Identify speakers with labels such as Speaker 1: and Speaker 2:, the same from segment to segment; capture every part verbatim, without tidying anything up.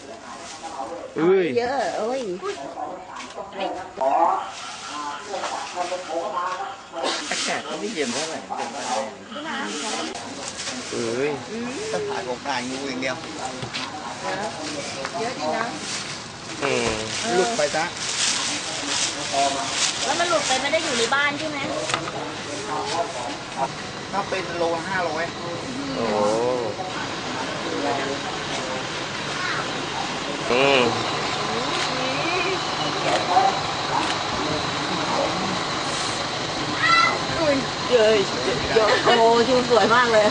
Speaker 1: เอ้ย
Speaker 2: เยอะโอ้ย
Speaker 3: อากาศก็ไม่เย็นเท่าไหร่
Speaker 1: เอ้ย
Speaker 3: ต้องถ่ายของถ่ายงูอย่างเดียว
Speaker 2: เยอะจริงนะ
Speaker 1: อืม
Speaker 3: หลุดไปซะ
Speaker 2: แล้วมันหลุดไปไม่ได้อยู่ในบ้านใช่ไหม
Speaker 3: ถ้าเป็นโลห้าร้อย
Speaker 1: โอ้อืม
Speaker 2: เยอะเยอะโอ้ชิวสวยมากเลย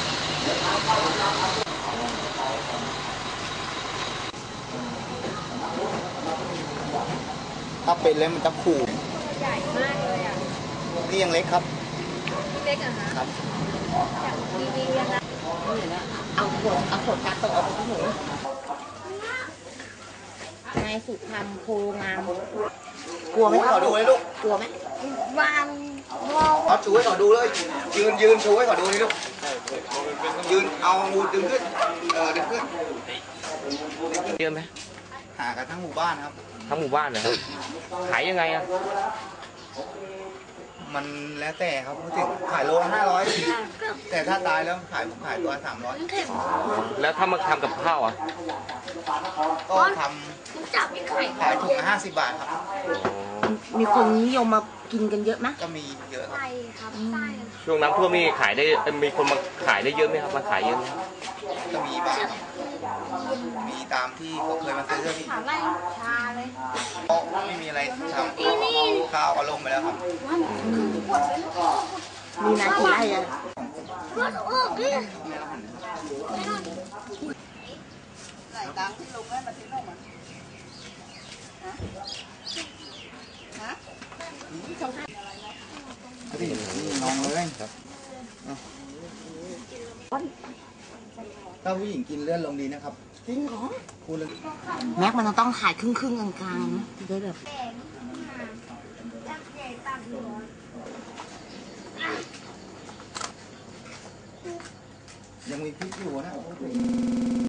Speaker 3: ถ้าเป็นแล้วมันจะขู่
Speaker 2: ใหญ่มากเลยอ่ะ
Speaker 3: นี่ยังเล็กครับ
Speaker 2: เล็กอ่ะ
Speaker 3: ครับ
Speaker 2: จากทีวียังไงเอาขวดเอาขวดกาโตะเอาไปที่หนูนายสุธรรมโพงามกลัวไหม
Speaker 3: ขอดูเลยลูก
Speaker 2: กลัวไหมวาง
Speaker 3: เอาชูให้ขอดูเลยยืนยืนชูให้ขอดูเลยลูกยืนเอางูดึงขึ้นเออดึงขึ้น
Speaker 1: เยอะไหม
Speaker 3: หากันทั้งหมู่บ้านครับ
Speaker 1: ทั้งหมู่บ้านนะครับขายยังไงอ่ะ
Speaker 3: มันแล้วแต่ครับพูดถึงขายโลห้าร้อยแต่ถ้าตายแล้วขายผมขายตัวสามร้อย
Speaker 1: แล้วถ้ามาทำกับข้าวอ่ะ
Speaker 3: ก็ทำขายถุงละห้าสิบบาทครับ
Speaker 2: มีคนนิยมมากินกันเยอะไหม
Speaker 3: ก็มีเยอะครับ
Speaker 1: ช่วงน้ำท่วมนี่ขายได้มีคนมาขายได้เยอะไหมครับมาขายเยอะไหม
Speaker 3: ก็มีบ้างมีตามที่เขาเคยมาซื้อที่
Speaker 2: ชาเลย
Speaker 3: ไม่มีอะไรทำข้าวก็ลงไปแล้วครับ
Speaker 2: มีนากี่ไร่อะ
Speaker 3: ไหนตังที่ลงไว้มาทิ้งลงมาฮะน้องเลยครับถ้าผู้หญิงกินเลือดลงดีนะครับ
Speaker 2: จริงเหรอ
Speaker 3: พูดเลย
Speaker 2: แม็กมันต้องขายครึ่งครึ่งกลางๆนะจะได้แบบ
Speaker 3: ยังมีพริกอยู่นะ